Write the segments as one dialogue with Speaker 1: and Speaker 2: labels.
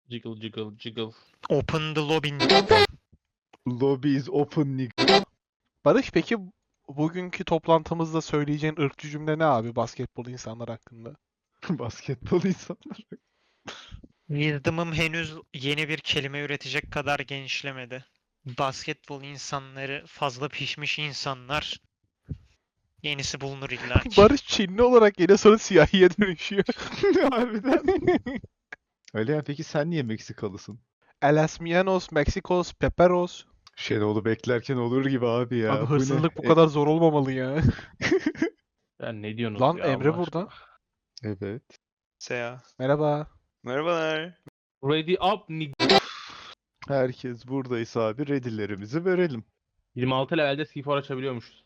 Speaker 1: Jiggle jiggle jiggle.
Speaker 2: Open the lobby.
Speaker 3: Lobby is open nigga.
Speaker 4: Barış, peki bugünkü toplantımızda söyleyeceğin ırkçı cümle ne abi basketbol insanlar hakkında?
Speaker 3: Basketbol insanlar.
Speaker 2: Wisdom'ım henüz yeni bir kelime üretecek kadar genişlemedi. Basketbol insanları fazla pişmiş insanlar. Yenisi bulunur illa ki.
Speaker 4: Barış Çinli olarak yine sonra siyahiye dönüşüyor.
Speaker 3: Harbiden. Alihan peki sen niye Meksikalısın?
Speaker 4: Elasmianos, Mexicos, Peperos.
Speaker 3: Şenol'u beklerken olur gibi abi ya.
Speaker 4: Abi
Speaker 3: Bu ne?
Speaker 4: hırsızlık bu kadar zor olmamalı ya.
Speaker 1: Ya ne diyorsunuz
Speaker 4: Lan
Speaker 1: ya
Speaker 4: Emre
Speaker 1: Allah
Speaker 4: burada.
Speaker 1: aşkına?
Speaker 3: Evet.
Speaker 5: Seya.
Speaker 4: Merhaba.
Speaker 5: Merhabalar.
Speaker 1: Ready up nig.
Speaker 3: Herkes buradaysa abi ready'lerimizi verelim.
Speaker 1: 26 levelde C4 açabiliyormuşuz.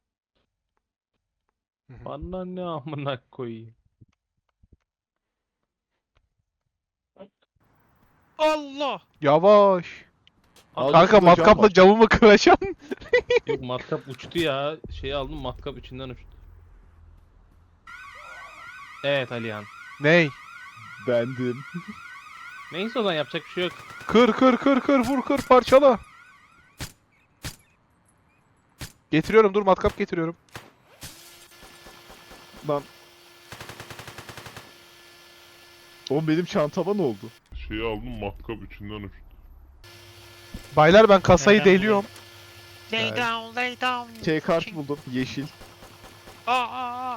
Speaker 4: Hı hı.
Speaker 1: Bana ne amına koyayım.
Speaker 2: Allah!
Speaker 4: Yavaş.
Speaker 3: Al
Speaker 4: Kanka
Speaker 3: şurada cam
Speaker 4: matkapla
Speaker 3: var.
Speaker 4: camımı kıracaksın.
Speaker 1: Yok matkap uçtu ya. Şeyi aldım matkap içinden uçtu. Evet Alihan.
Speaker 4: Ney?
Speaker 3: Bendim.
Speaker 1: Neyse o zaman yapacak bir şey yok.
Speaker 4: Kır kır kır kır vur kır parçala. Getiriyorum, dur matkap getiriyorum.
Speaker 3: Lan. Oğlum benim çantama ne oldu?
Speaker 6: Şeyi aldım matkap içinden uçtu.
Speaker 4: Baylar ben kasayı
Speaker 2: Neden
Speaker 4: deliyorum.
Speaker 2: Lay
Speaker 3: Evet.
Speaker 2: down, lay down.
Speaker 3: T-kart buldum. Yeşil.
Speaker 2: Aa!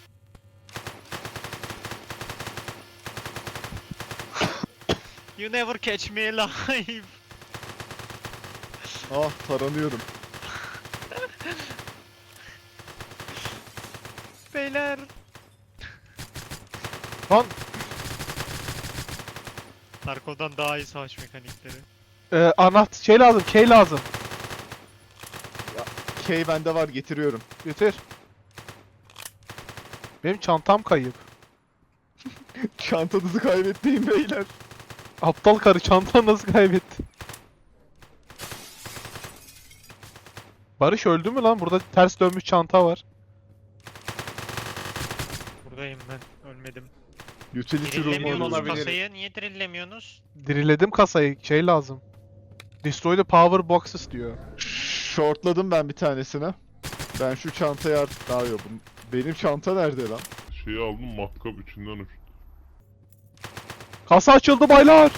Speaker 2: You never catch me alive.
Speaker 3: Ah taranıyorum.
Speaker 2: Beyler.
Speaker 4: Lan
Speaker 2: Narko'dan daha iyi savaş mekanikleri.
Speaker 4: şey lazım, key lazım.
Speaker 3: K bende var getiriyorum.
Speaker 4: Getir. Benim çantam kayıp.
Speaker 3: Çantanızı kaybetmeyin beyler.
Speaker 4: Aptal karı çantanı nasıl kaybetti? Barış öldü mü lan? Burada ters dönmüş çanta var.
Speaker 2: Buradayım ben. Ölmedim.
Speaker 3: Utility room
Speaker 2: Dirillemiyorsunuz
Speaker 3: olabilir.
Speaker 2: kasayı. Niye dirillemiyorsunuz?
Speaker 4: Diriledim kasayı. Şey lazım. Destroy the power boxes diyor.
Speaker 3: Shortladım ben bir tanesine. Ben şu çantayı artık daha yok. Benim çanta nerede lan?
Speaker 6: Şeyi aldım matkap içinden uçtu.
Speaker 4: Kasa açıldı baylar.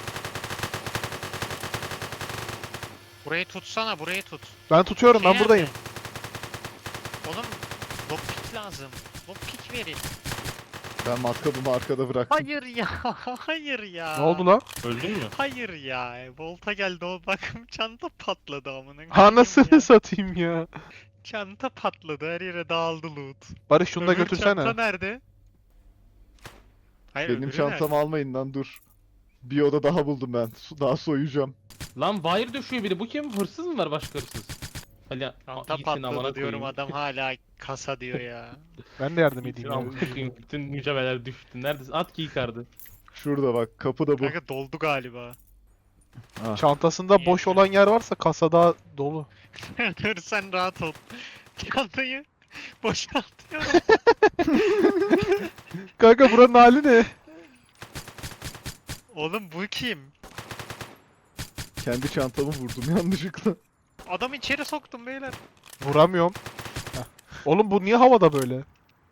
Speaker 2: Burayı tutsana, burayı tut.
Speaker 4: Ben tutuyorum, ben
Speaker 2: Şey
Speaker 4: buradayım.
Speaker 2: nerede? Oğlum, lockpick lazım. Lockpick verin.
Speaker 3: Ben matkabımı arkada bıraktım.
Speaker 2: Hayır ya, hayır ya.
Speaker 4: Ne oldu lan?
Speaker 1: Öldün mü?
Speaker 2: Hayır ya. Volta geldi o bakım çanta patladı amına koyayım ya.
Speaker 4: Anasını satayım ya.
Speaker 2: Çanta patladı, her yere dağıldı loot.
Speaker 4: Barış şunu da
Speaker 2: Öbür
Speaker 4: götürsene.
Speaker 2: çanta nerede? Hayır,
Speaker 3: Benim
Speaker 2: öbürü
Speaker 3: çantamı almayın lan dur. Bir oda daha buldum ben. Daha soyacağım.
Speaker 1: Lan wire düşüyor biri. Bu kim? Hırsız mı var başka hırsız? Alihan.
Speaker 2: Çanta
Speaker 1: gitsin amına
Speaker 2: patladı diyorum,
Speaker 1: koyayım.
Speaker 2: adam hala kasa diyor ya.
Speaker 4: Ben de yardım
Speaker 1: Gitsin
Speaker 4: edeyim ya.
Speaker 1: amına koyayım. Bütün mücevherler düştü. Neredesin? At keycard'ı.
Speaker 3: Şurada bak kapıda bu.
Speaker 2: Kanka doldu galiba.
Speaker 3: Ah.
Speaker 4: Çantasında
Speaker 2: Niye?
Speaker 4: boş olan yer varsa kasada dolu.
Speaker 2: Dur sen rahat ol. Çantayı boşaltıyorum.
Speaker 4: Kanka buranın hali ne?
Speaker 2: Oğlum bu kim?
Speaker 3: Kendi çantamı vurdum yanlışlıkla.
Speaker 2: Adam içeri soktum beyler.
Speaker 4: Vuramıyorum. Heh. Oğlum bu niye havada böyle?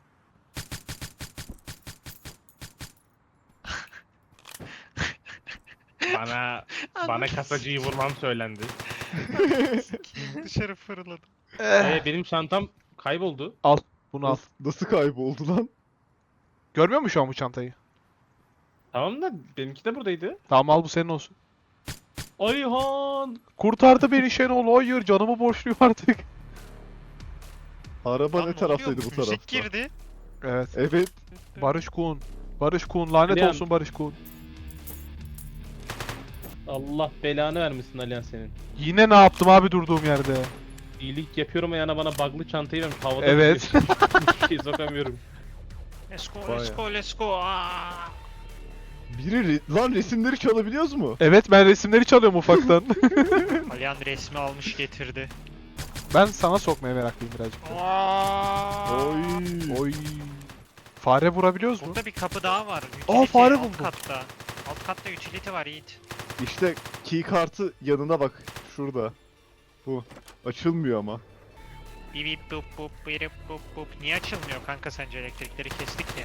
Speaker 1: Bana kasacıyı vurmam söylendi.
Speaker 2: Dışarı fırladım.
Speaker 1: Benim çantam kayboldu.
Speaker 4: Bunu al.
Speaker 3: Nasıl kayboldu lan?
Speaker 4: Görmüyor musun şu an bu çantayı?
Speaker 1: Tamam da benimki de buradaydı.
Speaker 4: Tamam al, bu senin olsun.
Speaker 1: Alihan!
Speaker 4: Kurtardı beni Şenol. Hayır, canımı borçluyum artık.
Speaker 3: Araba
Speaker 2: Lan
Speaker 3: ne
Speaker 2: oluyor?
Speaker 3: taraftaydı bu
Speaker 2: Müzik
Speaker 3: tarafta?
Speaker 2: girdi.
Speaker 4: Evet.
Speaker 3: Evet.
Speaker 4: Barış Kuhn. Barış Kuhn. Lanet
Speaker 1: Alihan.
Speaker 4: olsun Barış Kuhn.
Speaker 1: Allah belanı vermesin Alihan senin.
Speaker 4: Yine ne yaptım abi durduğum yerde?
Speaker 1: İyilik yapıyorum ayağına bana bug'lı çantayı vermiş. Havada
Speaker 4: Evet.
Speaker 1: tutuyor. Hiçbir şey sokamıyorum.
Speaker 2: Let's go,
Speaker 3: Vay
Speaker 2: let's
Speaker 3: ya.
Speaker 2: go, let's go. Aa!
Speaker 3: Lan resimleri çalabiliyoruz mu?
Speaker 4: Evet, ben resimleri çalıyorum ufaktan.
Speaker 2: Alihan resmi almış getirdi.
Speaker 4: Ben sana sokmaya meraklıyım birazcık da.
Speaker 2: Aa!
Speaker 3: Oy.
Speaker 4: Oy. Fare vurabiliyoruz mu?
Speaker 2: Burada bir kapı daha var.
Speaker 4: Aa, fare
Speaker 2: alt
Speaker 4: buldum.
Speaker 2: katta. Alt Alt katta utility var Yiğit.
Speaker 3: İşte key kartı yanına bak. Şurada. Bu. Açılmıyor ama.
Speaker 2: Bip bip bup bup birip bup bup. Niye açılmıyor kanka sence elektrikleri kestik ya?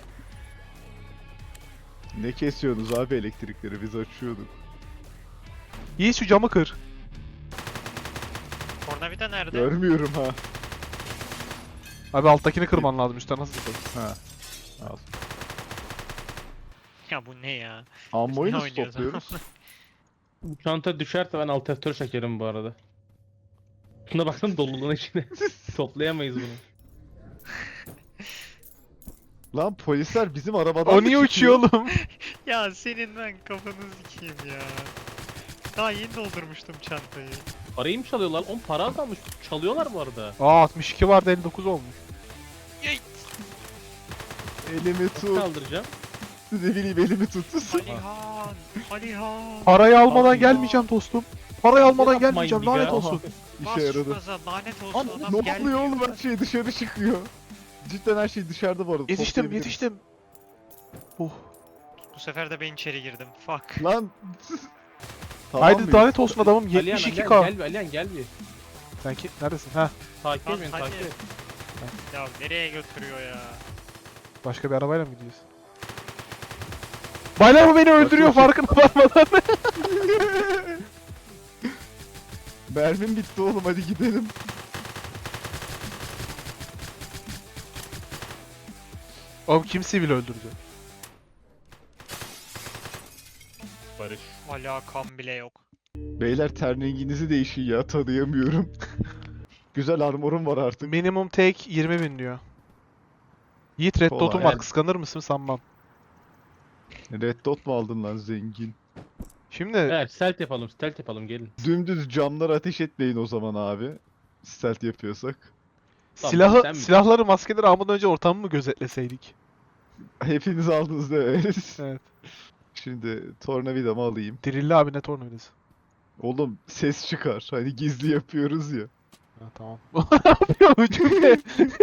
Speaker 3: Ne kesiyorsunuz abi elektrikleri? Biz açıyorduk.
Speaker 4: Yiğit şu camı kır.
Speaker 2: Tornavida nerede?
Speaker 3: Görmüyorum ha.
Speaker 4: Abi alttakini kırman lazım, üstten nasıl kır?
Speaker 3: Ha. Al.
Speaker 2: Ya bu ne ya?
Speaker 3: Ammoyu
Speaker 2: Ne
Speaker 3: nasıl
Speaker 2: oynuyoruz?
Speaker 3: topluyoruz?
Speaker 1: Bu çanta düşerse ben alt F4 çekerim bu arada. Şuna baksana doluluğun içine. Toplayamayız bunu.
Speaker 3: Lan polisler bizim arabadan
Speaker 4: O
Speaker 3: mı
Speaker 4: niye
Speaker 3: çıkıyor?
Speaker 4: uçuyor oğlum?
Speaker 2: Ya senin ben kafanı sikeyim ya. Daha yeni doldurmuştum çantayı.
Speaker 1: Parayı mı çalıyorlar? 10 para azalmış. Çalıyorlar bu arada.
Speaker 4: Aa 62 vardı 59 olmuş.
Speaker 3: Elimi
Speaker 1: Nasıl
Speaker 3: tut.
Speaker 1: kaldıracağım?
Speaker 3: Ne bileyim elimi tut.
Speaker 2: Alihan! Alihan!
Speaker 4: Parayı almadan
Speaker 1: Allah.
Speaker 4: gelmeyeceğim dostum. Parayı almadan
Speaker 1: Yapmayın
Speaker 4: gelmeyeceğim,
Speaker 1: bir
Speaker 4: lanet
Speaker 1: ya.
Speaker 4: olsun.
Speaker 2: Bas
Speaker 3: İşe
Speaker 2: şu
Speaker 3: yaradı.
Speaker 2: gaza, lanet olsun
Speaker 1: Lan
Speaker 2: adam
Speaker 3: Ne
Speaker 2: gelmiyor.
Speaker 3: oluyor oğlum, her şey dışarı çıkıyor. Cidden her şey dışarıda bu arada.
Speaker 4: Yetiştim,
Speaker 3: toplayabiliriz.
Speaker 4: yetiştim. Oh.
Speaker 2: Bu sefer de ben içeri girdim. Fuck.
Speaker 3: Lan. Tamam
Speaker 4: Haydi
Speaker 3: mıyız?
Speaker 4: lanet olsun adamım,
Speaker 1: Alihan
Speaker 4: 72k.
Speaker 1: gel bir Alihan gel bir.
Speaker 4: Sen ki neredesin? Ha,
Speaker 1: Takip
Speaker 2: Lan
Speaker 1: et beni
Speaker 2: hadi.
Speaker 1: takip et.
Speaker 2: Ya nereye götürüyor ya?
Speaker 4: başka bir arabayla mı gidiyoruz? Baylar bu beni öldürüyor farkına varmadan.
Speaker 3: Mermim bitti oğlum, hadi gidelim.
Speaker 4: Oğlum kim sivil öldürdü?
Speaker 1: Barış.
Speaker 2: Alakam bile yok.
Speaker 3: Beyler ten renginizi değişin ya, tanıyamıyorum. Güzel armorum var artık.
Speaker 4: Minimum take 20.000 diyor. Yiğit Red
Speaker 3: Kolay.
Speaker 4: Dot'um var, kıskanır mısın sanmam.
Speaker 3: Red dot mu aldın lan zengin?
Speaker 4: Şimdi
Speaker 1: Evet stealth yapalım gelin.
Speaker 3: Dümdüz camlara ateş etmeyin o zaman abi. Stealth yapıyorsak.
Speaker 1: Tamam, sen mi?
Speaker 4: silahları, maskeleri almadan önce ortamı mı gözetleseydik?
Speaker 3: Hepiniz aldınız değil mi?
Speaker 4: Evet.
Speaker 3: Şimdi tornavidamı alayım.
Speaker 4: Dirilli abi, ne tornavidası?
Speaker 3: Oğlum ses çıkar. Hani gizli yapıyoruz ya.
Speaker 4: Ha tamam. Ne yapıyor bu cümle?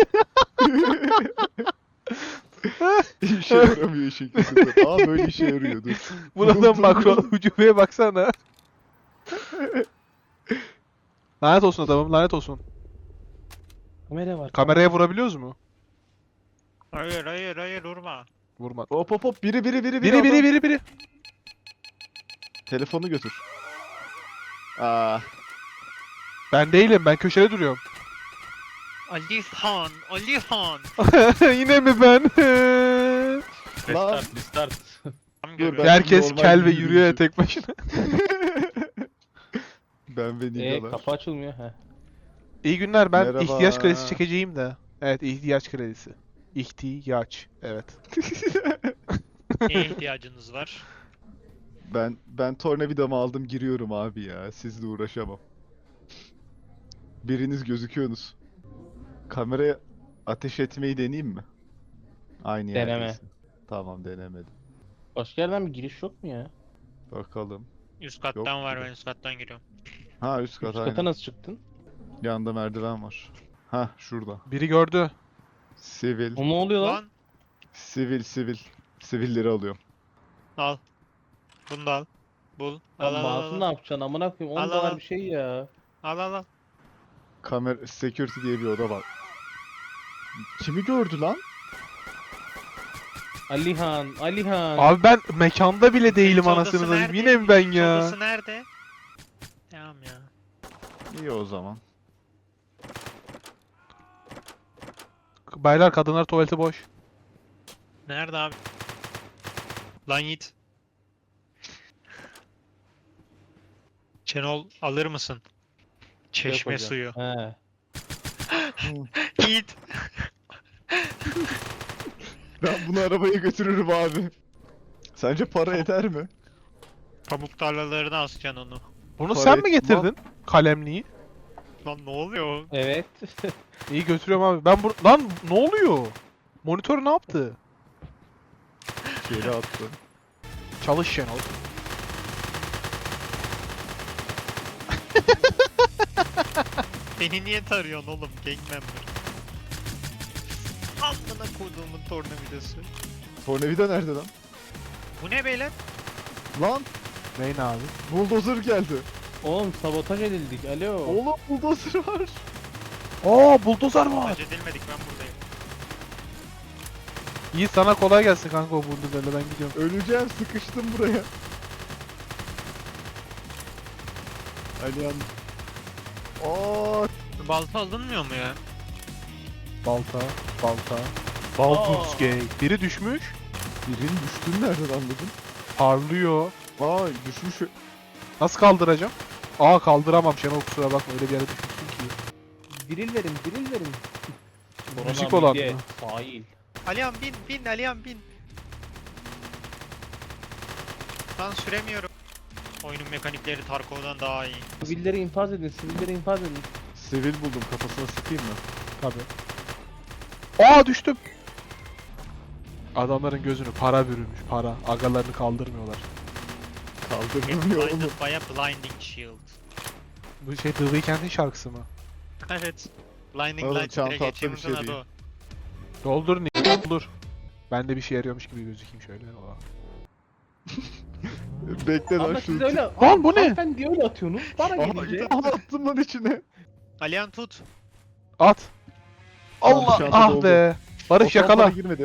Speaker 3: İşe yaramıyor şekilde. Aa böyle işe yarıyordu.
Speaker 4: Buradan makro ucubeye baksana. Lanet olsun adamım, lanet olsun.
Speaker 1: Kamera var.
Speaker 4: Kameraya vurabiliyoruz mu?
Speaker 2: Hayır hayır hayır vurma.
Speaker 4: Vurma.
Speaker 3: Hop hop hop, biri
Speaker 4: Biri.
Speaker 3: Telefonu götür. Aa,
Speaker 4: Ben değilim, ben köşede duruyorum.
Speaker 2: Alihan! Alihan!
Speaker 4: Yine mi ben?
Speaker 1: Restart.
Speaker 2: Tam
Speaker 3: Dur,
Speaker 2: görüyorum.
Speaker 3: ben-
Speaker 4: Herkes
Speaker 3: normal
Speaker 4: kel ve
Speaker 3: yürüyüşüm.
Speaker 4: yürüyor ya tek başına.
Speaker 3: ben ve Nigalar.
Speaker 1: Kapı açılmıyor. He.
Speaker 4: İyi günler, ben
Speaker 3: Merhaba.
Speaker 4: ihtiyaç kredisi çekeceğim de. Evet, ihtiyaç kredisi. İhtiyaç, evet.
Speaker 2: Neye ihtiyacınız var?
Speaker 3: Ben tornavidamı aldım, giriyorum abi ya. Sizle uğraşamam. Biriniz gözüküyorsunuz. Kameraya ateş etmeyi deneyeyim mi? Aynı
Speaker 1: Deneme.
Speaker 3: yerdesin. Tamam, denemedim.
Speaker 1: Başka yerden bir giriş yok mu ya?
Speaker 3: Bakalım.
Speaker 2: Üst kattan
Speaker 3: Yok
Speaker 2: var,
Speaker 3: gibi.
Speaker 2: ben üst kattan giriyorum.
Speaker 3: Ha, üst kat
Speaker 1: Üst
Speaker 3: aynen.
Speaker 1: kata nasıl çıktın?
Speaker 3: Yanında merdiven var. Ha, şurada.
Speaker 4: Biri gördü.
Speaker 3: Sivil.
Speaker 1: O ne oluyor lan?
Speaker 2: Lan
Speaker 3: Sivil. Sivilleri alıyorum.
Speaker 2: al. Bunu da al. Bul. Al
Speaker 1: Lan
Speaker 2: al al.
Speaker 1: mouse'u
Speaker 2: Al
Speaker 1: ne yapacaksın amına koyayım? 10
Speaker 2: Al, al,
Speaker 1: dolar
Speaker 2: al.
Speaker 1: bir şey ya.
Speaker 2: al. al.
Speaker 3: Kamera security diye bir oda var. Kimi gördü lan?
Speaker 1: Alihan.
Speaker 4: Abi ben mekanda bile değilim
Speaker 2: Odası
Speaker 4: anasını satayım.
Speaker 2: nerede?
Speaker 4: Yine mi ben ya?
Speaker 2: Odası nerede? Tamam ya.
Speaker 3: İyi o zaman.
Speaker 4: Baylar, kadınlar tuvaleti boş.
Speaker 2: Nerede abi? Lan Yiğit. Çenol alır mısın? Çeşme
Speaker 1: Yok hocam.
Speaker 2: suyu.
Speaker 1: He.
Speaker 2: Yiğit.
Speaker 3: Ben bunu arabaya götürürüm abi. Sence para eder mi?
Speaker 2: Pamuk tarlalarına asacaksın onu.
Speaker 4: Bunu
Speaker 3: Para
Speaker 4: sen mi
Speaker 3: etmem.
Speaker 4: getirdin? Kalemliği.
Speaker 2: Lan ne oluyor?
Speaker 1: Evet.
Speaker 4: İyi götürüyorum abi. Ben lan ne oluyor? Monitör ne yaptı?
Speaker 3: Geri attı.
Speaker 4: Çalış Şenol.
Speaker 2: Beni niye tarıyorsun oğlum? Gang member. Amına koyduğumun tornavidası.
Speaker 3: Tornavida nerede lan?
Speaker 2: Bu ne beyler?
Speaker 3: Lan
Speaker 4: Neyin abi?
Speaker 3: buldozer geldi.
Speaker 1: Oğlum sabotaj edildik. Alo.
Speaker 3: Oğlum buldozer var.
Speaker 4: Aa buldozer var.
Speaker 2: Sabotaj edilmedik, ben buradayım.
Speaker 4: İyi, sana kolay gelsin kanka o buldozerle, ben gidiyorum.
Speaker 3: Öleceğim, sıkıştım buraya. Alihan. Aa,
Speaker 2: Balta alınmıyor mu ya?
Speaker 4: Balta. Baldur's Gate. Biri düşmüş.
Speaker 3: birinin düştüğünü nereden anladın?
Speaker 4: Parlıyor.
Speaker 3: Aa, düşmüş.
Speaker 4: Nasıl kaldıracağım? Aa kaldıramam Şenol, kusura bakma, öyle bir yere düşmüşsün ki.
Speaker 1: Diril verin, diril verin.
Speaker 4: Müzik
Speaker 1: Korona
Speaker 4: olan
Speaker 1: midye,
Speaker 4: mı?
Speaker 1: Sahil.
Speaker 2: Alihan bin Alihan bin. Ben süremiyorum. Oyunun mekanikleri Tarkov'dan daha iyi.
Speaker 1: Sivilleri infaz edin, sivilleri infaz edin.
Speaker 3: Sivil buldum, kafasına sıkayım mı?
Speaker 4: Tabii. Aa düştüm. Adamların gözünü para bürümüş, para. Agalarını kaldırmıyorlar.
Speaker 3: Kaldırmıyor oğlum.
Speaker 2: Blinded by a blinding shield.
Speaker 4: Bu şey The Weeknd'in şarkısı mı?
Speaker 2: Evet. Blinding
Speaker 3: Oğlum,
Speaker 2: light
Speaker 3: çanta
Speaker 2: direkt
Speaker 3: atla bir
Speaker 2: achievement'ın
Speaker 3: şey
Speaker 2: adı
Speaker 3: değil.
Speaker 2: o.
Speaker 4: Doldur doldur. Ben de bir şey yarıyormuş gibi gözükeyim şöyle. Aa.
Speaker 3: Bekle lan
Speaker 1: Ama
Speaker 3: şu.
Speaker 1: siz öyle...
Speaker 4: Lan bu ne?
Speaker 1: Hanımefendi diye öyle atıyorsunuz. Bana
Speaker 3: Aha,
Speaker 1: gelince...
Speaker 3: aha, attım lan içine.
Speaker 2: Alihan tut.
Speaker 4: At.
Speaker 3: Tamam,
Speaker 4: Allah
Speaker 3: çanta
Speaker 4: ah
Speaker 3: doldu.
Speaker 4: be. Barış
Speaker 3: O tam bana
Speaker 4: yakala.
Speaker 3: girmedi.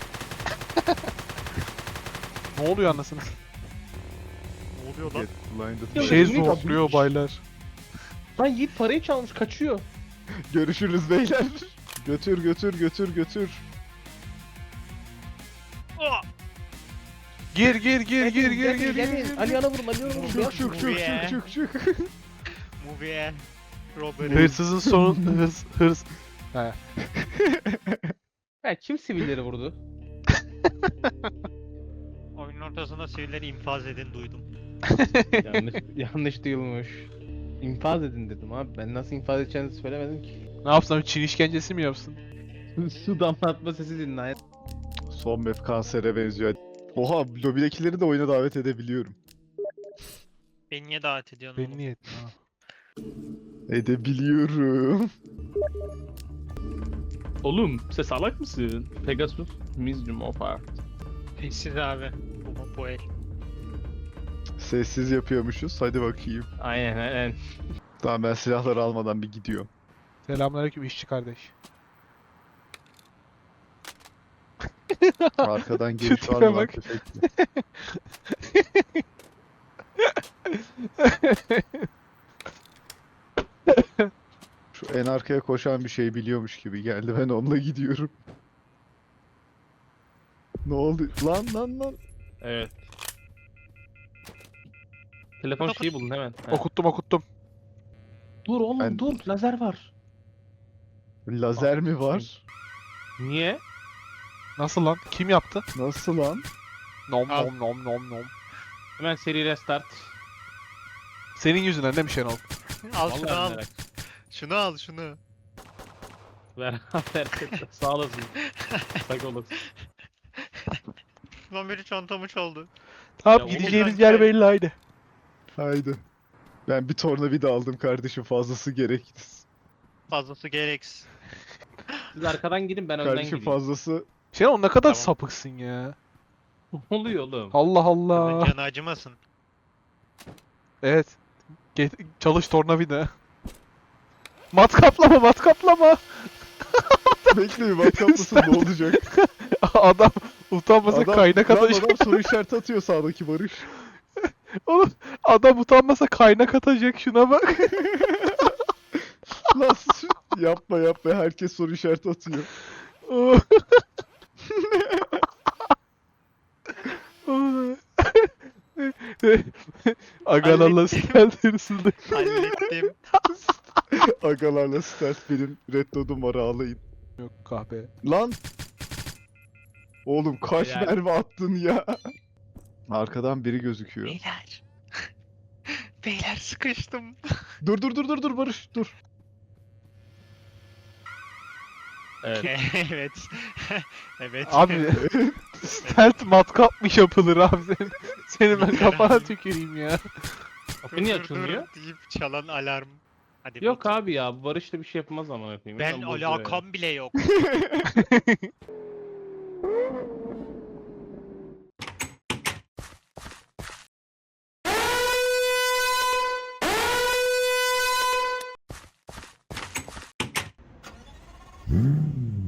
Speaker 4: Ne oluyor anasını?
Speaker 2: Ne oluyor lan?
Speaker 3: Get blinded.
Speaker 4: Bir
Speaker 1: Ya,
Speaker 4: şey
Speaker 1: Nick
Speaker 4: zorluyor
Speaker 1: atmış.
Speaker 4: baylar.
Speaker 1: Lan Yiğit parayı çalmış, kaçıyor.
Speaker 3: Görüşürüz beyler. Götür götür götür götür.
Speaker 2: Oh!
Speaker 4: Gir gir gir gir gir
Speaker 1: Gelin,
Speaker 4: gir
Speaker 1: gelin.
Speaker 4: gir.
Speaker 1: Alihan'a vurun, Alihan'a vurun.
Speaker 3: Çık
Speaker 1: Beyaz
Speaker 3: çık
Speaker 1: vurun.
Speaker 3: çık
Speaker 2: Yeah.
Speaker 3: çık çık çık.
Speaker 2: Movie. Robbery.
Speaker 4: Hırsızın sonu hırs. He.
Speaker 1: Ha, kim sivilleri vurdu?
Speaker 2: Oyunun ortasında sivilleri infaz edin duydum.
Speaker 1: Yanlış duyulmuş. İnfaz edin dedim abi. Ben nasıl infaz edeceğinizi söylemedim ki.
Speaker 4: Ne yapsam, Çin işkencesi mi yapsın?
Speaker 1: Su damlatma sesi dinle.
Speaker 3: Son map kansere benziyor. Oha, lobidekileri de oyuna davet edebiliyorum.
Speaker 2: Beni niye davet ediyorsun
Speaker 4: Beni
Speaker 2: oğlum?
Speaker 4: niye ettin ha?
Speaker 3: Edebiliyorum.
Speaker 1: Oğlum sen salak mısın? Pegasus, Museum of Art.
Speaker 2: Sessiz abi. Bu el.
Speaker 3: Sessiz yapıyormuşuz. Hadi bakayım.
Speaker 1: Aynen.
Speaker 3: Tamam, ben silahları almadan bir gidiyorum.
Speaker 4: Selamünaleyküm işçi kardeş.
Speaker 3: Arkadan geliş
Speaker 4: Tipe
Speaker 3: var mı lan
Speaker 4: bak.
Speaker 3: tüfekli? Şu en arkaya koşan bir şey biliyormuş gibi geldi. Ben onunla gidiyorum. Ne oldu? Lan.
Speaker 1: Evet. Telefon şeyi bulun hemen. Ha.
Speaker 4: Okuttum.
Speaker 1: Dur oğlum
Speaker 3: Ben-
Speaker 1: dur, lazer var.
Speaker 3: Lazer mi var?
Speaker 1: Niye?
Speaker 4: Nasıl lan? Kim yaptı?
Speaker 3: Nasıl lan?
Speaker 4: Nom
Speaker 2: Al.
Speaker 4: nom nom nom nom.
Speaker 1: Hemen seri restart.
Speaker 4: Senin yüzünden değil mi Şenol?
Speaker 2: Al şunu
Speaker 1: Vallahi
Speaker 2: al.
Speaker 1: merak.
Speaker 2: Şunu al şunu.
Speaker 1: Ver. Sağ olasın. Sağ olasın.
Speaker 2: Lan biri çantamı çaldı.
Speaker 4: Tamam,
Speaker 1: Ya
Speaker 4: gideceğiniz
Speaker 2: oğlum,
Speaker 4: yer
Speaker 2: ben-
Speaker 4: belli, haydi.
Speaker 3: Haydi. Ben bir tornavida aldım kardeşim, fazlası gerekti.
Speaker 2: Fazlası gereksiz.
Speaker 1: Siz arkadan gidin, ben önden
Speaker 3: Kardeşim
Speaker 1: gideyim.
Speaker 3: fazlası
Speaker 4: Şenol ne kadar
Speaker 2: Tamam.
Speaker 4: sapıksın ya.
Speaker 1: Ne oluyor oğlum?
Speaker 4: Allah
Speaker 2: Kızın
Speaker 4: Allah.
Speaker 2: canı acımasın.
Speaker 4: Evet. Çalış tornavida. Matkaplama.
Speaker 3: bekleyin, matkaplısın ne olacak?
Speaker 4: Adam utanmasa kaynak
Speaker 3: lan
Speaker 4: atacak.
Speaker 3: adam soru işareti atıyor sağdaki Barış.
Speaker 4: Oğlum adam utanmasa kaynak atacak, şuna bak.
Speaker 3: Lan yapma herkes soru işareti atıyor.
Speaker 4: Agalarla stealth hırsızlık.
Speaker 2: Hallettim.
Speaker 3: Agalarla stealth, benim red dot'um var, ağlayın.
Speaker 4: Yok kahpe.
Speaker 3: Lan! Oğlum kaç
Speaker 1: Helal.
Speaker 3: mermi attın ya? Arkadan biri gözüküyor.
Speaker 2: Beyler. Beyler sıkıştım.
Speaker 3: Dur Barış dur.
Speaker 1: Evet.
Speaker 2: Evet. Evet.
Speaker 4: Abi stealth matkap mı yapılır abi senin? Senin ben
Speaker 2: Yeter
Speaker 4: kafana
Speaker 2: abi.
Speaker 4: tüküreyim ya.
Speaker 1: Kapı niye açılmıyor?
Speaker 2: deyip çalan alarm. Hadi
Speaker 1: Yok
Speaker 2: bot.
Speaker 1: abi ya, bu Barış da bir şey yapmaz ama yapayım.
Speaker 2: Ben
Speaker 1: Hemen bozuyor ya.
Speaker 2: alakam bile yok.
Speaker 3: Hı.